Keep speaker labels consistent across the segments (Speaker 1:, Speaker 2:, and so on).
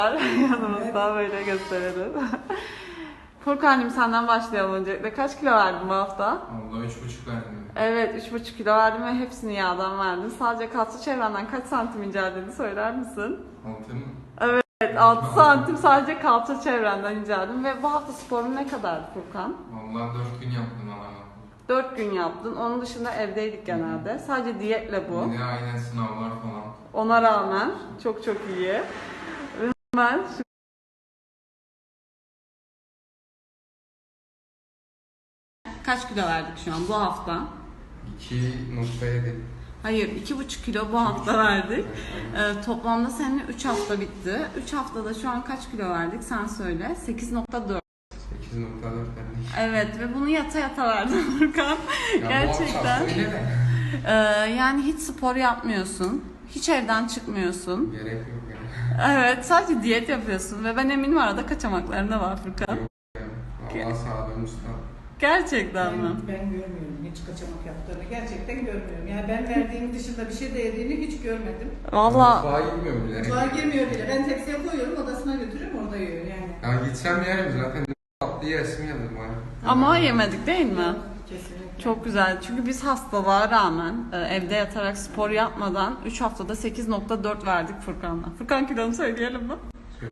Speaker 1: Yanımızda böyle gösterelim. Furkan'cığım senden başlayalım öncelikle. Kaç kilo verdin bu hafta?
Speaker 2: Allah 3,5 verdim.
Speaker 1: Evet 3,5 kilo verdin ve hepsini yağdan verdin. Sadece kalça çevrenden kaç santim inceldiğini söyler misin?
Speaker 2: 6 mı?
Speaker 1: Evet 6 santim sadece kalça çevrenden inceldin ve bu hafta sporun ne kadardı Furkan?
Speaker 2: Vallahi 4 gün yaptım ama.
Speaker 1: 4 gün yaptın. Onun dışında evdeydik genelde. Sadece diyetle bu.
Speaker 2: Bir de aynen sınavlar falan.
Speaker 1: Ona rağmen çok iyi. Ve hemen kaç kilo verdik şu an bu hafta?
Speaker 2: 2,7.
Speaker 1: Hayır 2,5 kilo bu hafta verdik. Toplamda seninle 3 hafta bitti. 3 haftada şu an kaç kilo verdik sen söyle. 8,4.
Speaker 2: 8,4 verdim.
Speaker 1: Evet ve bunu yata verdim Furkan.
Speaker 2: Ya
Speaker 1: Gerçekten.
Speaker 2: Bu hafta öyle de.
Speaker 1: Yani hiç spor yapmıyorsun. Hiç evden çıkmıyorsun.
Speaker 2: Gerek yok yani.
Speaker 1: Evet sadece diyet yapıyorsun ve ben eminim arada kaçamakların da var Furkan.
Speaker 2: Yok yani. Allah sağlığım usta.
Speaker 1: Gerçekten mi?
Speaker 3: Ben görmüyorum hiç kaçamak yaptığını. Gerçekten görmüyorum. Yani ben verdiğim dışında bir şey de yediğini hiç görmedim.
Speaker 1: Valla
Speaker 2: Mutfağa gitmiyorum bile.
Speaker 3: Mutfağa girmiyor bile. Ben tepsiye koyuyorum, odasına götürüyorum, orada yiyor yani.
Speaker 2: Ya gitsem yerim zaten. Tatlı yesim geldi bana.
Speaker 1: ama yemedik değil mi?
Speaker 3: Kesinlikle.
Speaker 1: Çok güzel. Çünkü biz hastalığa rağmen evde yatarak spor yapmadan 3 haftada 8,4 verdik Furkan'la. Furkan kilonu söyleyelim mi?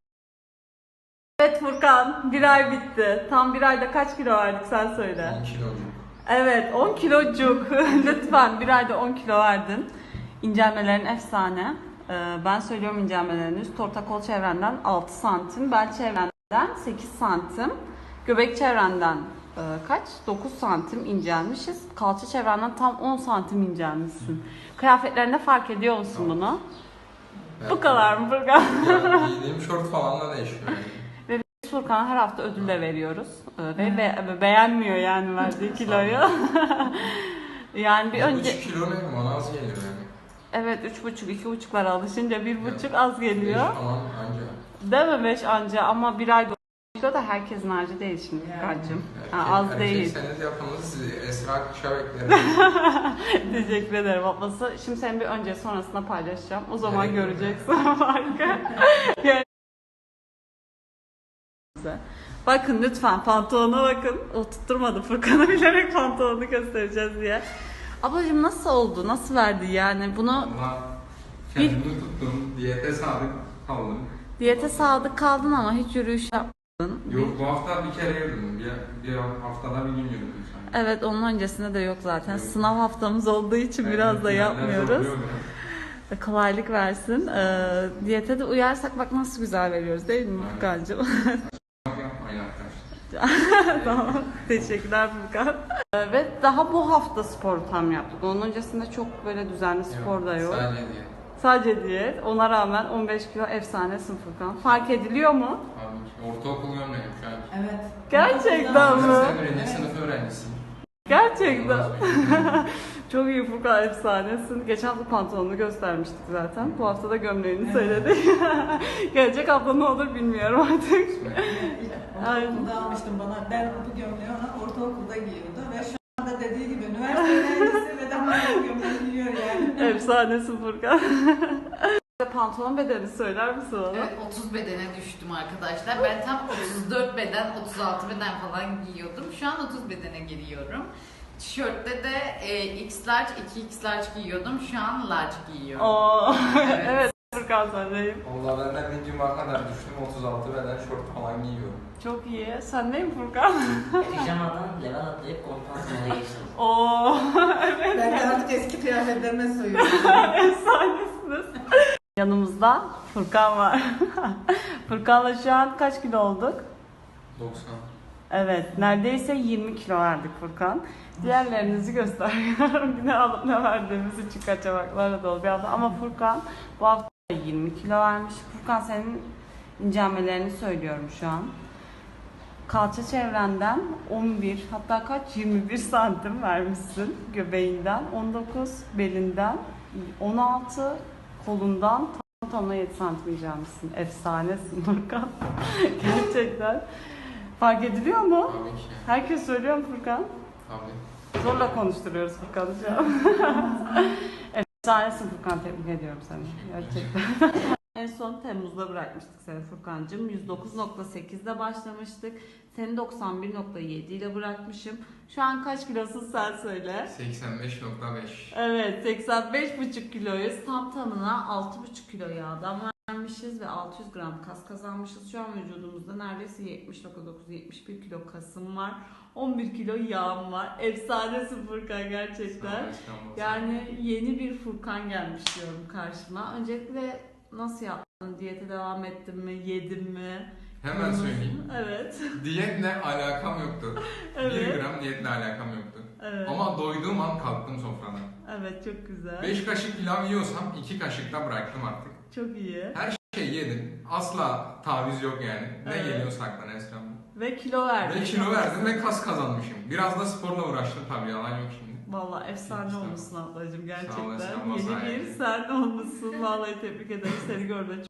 Speaker 1: Evet Furkan, bir ay bitti. Tam bir ayda kaç kilo verdik sen söyle.
Speaker 2: 10 kilo oldu.
Speaker 1: Evet 10 kilocuk. Lütfen bir ayda 10 kilo verdin. İncelmelerin efsane. Ben söylüyorum incelmelerini. Üst orta kol çevrenden 6 santim, bel çevrenden 8 santim, göbek çevrenden kaç? 9 santim incelmişiz. Kalça çevrenden tam 10 santim incelmişsin. Kıyafetlerinde fark ediyor musun bunu?
Speaker 2: Evet.
Speaker 1: Bu kadar mı Furkan?
Speaker 2: Ya, giydiğim şort falan da değişiyor yani.
Speaker 1: Ve biz Furkan'a her hafta ödül de veriyoruz. Ve beğenmiyor yani verdiği kiloyu. Yani bir önce...
Speaker 2: 3 kilo ne? Bana az geliyor yani.
Speaker 1: Evet 3,5-2,5'lara alışınca 1,5 az geliyor.
Speaker 2: 5 falan anca.
Speaker 1: Değil mi 5 anca ama bir ayda 10 kilo da herkesin harcı değil şimdi Furkan'cığım. Az değil.
Speaker 2: Erkekseniz yapınız sizi Esra Kuş'a beklerim.
Speaker 1: Teşekkür ederim ablası. Şimdi senin bir önce sonrasında paylaşacağım. O zaman
Speaker 2: Evet.
Speaker 1: göreceksin farkı. Yani... Bakın lütfen pantolona bakın. O tutturmadı Furkan'a bilerek pantolonu göstereceğiz diye. Ablacığım nasıl oldu? Nasıl verdi yani? Bunu
Speaker 2: Ama kendimi tuttum. Diyete sadık kaldım.
Speaker 1: diyete sadık kaldın ama hiç yürüyüş yapmadın.
Speaker 2: Yok bu hafta bir kere yürüdüm. Bir haftada bir gün yürüdüm sanki.
Speaker 1: Evet onun öncesinde de yok zaten.
Speaker 2: Yok.
Speaker 1: Sınav haftamız olduğu için biraz da yapmıyoruz. Kolaylık versin. Diyete de uyarsak bak nasıl güzel veriyoruz değil mi
Speaker 2: Evet.
Speaker 1: Furkan'cığım?
Speaker 2: Yapmayın arkadaşlar.
Speaker 1: Tamam. Teşekkürler Furkan. Ve daha bu hafta sporu tam yaptık. Onun öncesinde çok böyle düzenli spor da yok.
Speaker 2: Sadece diye.
Speaker 1: Sadece diyet. Ona rağmen 15 kilo efsanesin Furkan. Fark ediliyor mu?
Speaker 2: Abi ortaokul gömleğim şu an.
Speaker 3: Evet.
Speaker 1: Gerçekten mi?
Speaker 2: Sen birinci sınıf öğrencisiyim.
Speaker 1: Gerçekten. Çok iyi Furkan efsanesin. Geçen hafta pantolonunu göstermiştik zaten. Bu hafta da gömleğini söyledik. Gelecek hafta ne olur bilmiyorum artık.
Speaker 3: Ortaokulda almıştım bana. Ben bu gömleği ona ortaokulda giyiyordu ve şu anda dediği gibi üniversite öğrencisi ve daha bu gömleği giyiyor yani.
Speaker 1: Efsanesin Furkan. Pantolon bedeni söyler misin bana?
Speaker 4: Evet 30 bedene düştüm arkadaşlar. Ben tam 34 beden, 36 beden falan giyiyordum. Şu an 30 bedene giriyorum. Tişörtte de X large, 2X large giyiyordum. Şu an large giyiyorum.
Speaker 1: Oo.
Speaker 4: Evet.
Speaker 1: Evet Furkan sendeyim.
Speaker 2: Valla ben de bir cuma kadar düştüm. 36 beden şort falan giyiyorum.
Speaker 1: Çok iyi. Sen neyim Furkan?
Speaker 5: Pijamadan level atlayıp kompansiyona geçtim.
Speaker 1: Oo. Evet.
Speaker 3: Ben de artık eski kıyafetlerime soyuyorum.
Speaker 1: Efsanesiniz. Yanımızda Furkan var. Furkan'la şu an kaç kilo olduk?
Speaker 2: 90.
Speaker 1: Evet, neredeyse 20 kilo verdik Furkan. Diğerlerinizi gösteriyorum. Yine alıp ne verdiğimiz için kaçamaklarla dolu bir hafta. Ama Furkan bu hafta 20 kilo vermiş. Furkan senin incelmelerini söylüyorum şu an. Kalça çevrenden 11 hatta kaç 21 santim vermişsin göbeğinden, 19 belinden, 16 kolundan tam 7 santim incelmişsin. Efsanesin Furkan. Gerçekten. Fark ediliyor mu?
Speaker 2: Tabii ki.
Speaker 1: Herkes söylüyor mu Furkan?
Speaker 2: Tabii.
Speaker 1: Zorla konuşturuyoruz Furkan'ı şu an. Efsanesin Furkan, tebrik ediyorum seni. Gerçekten. En son Temmuz'da bırakmıştık seni Furkancığım. 109.8'de başlamıştık. Seni 91.7 ile bırakmışım. Şu an kaç kilosun sen söyle.
Speaker 2: 85.5.
Speaker 1: Evet 85,5 kiloyuz. Tam tamına 6,5 kilo yağdan vermişiz ve 600 gram kas kazanmışız. Şu an vücudumuzda neredeyse 70.9-71 kilo kasım var. 11 kilo yağım var. Efsanesin Furkan gerçekten. Yani yeni bir Furkan gelmiş diyorum karşıma. Öncelikle nasıl yaptın? Diyete devam ettin mi? Yedin mi?
Speaker 2: Hemen söyleyeyim.
Speaker 1: Evet.
Speaker 2: Diyetle alakam yoktu.
Speaker 1: Evet.
Speaker 2: 1 gram diyetle alakam yoktu.
Speaker 1: Evet.
Speaker 2: Ama doyduğum an kalktım sofradan.
Speaker 1: Evet çok güzel.
Speaker 2: 5 kaşık pilav yiyorsam 2 kaşıkta bıraktım artık.
Speaker 1: Çok iyi.
Speaker 2: Her şey yedim. Asla taviz yok yani. Ne
Speaker 1: Evet.
Speaker 2: geliyorsa aklına Esra'm.
Speaker 1: Ve kilo verdin.
Speaker 2: Ve kilo verdim ve kas kazanmışım. Biraz da sporla uğraştım tabii, yalan yok şimdi.
Speaker 1: Vallahi efsane
Speaker 2: İşte.
Speaker 1: olmuşsun ablacığım
Speaker 2: Sağ
Speaker 1: gerçekten.
Speaker 2: olasın,
Speaker 1: Yeni
Speaker 2: masaya.
Speaker 1: bir sen olmuşsun. Vallahi tebrik ederim. Seni görmek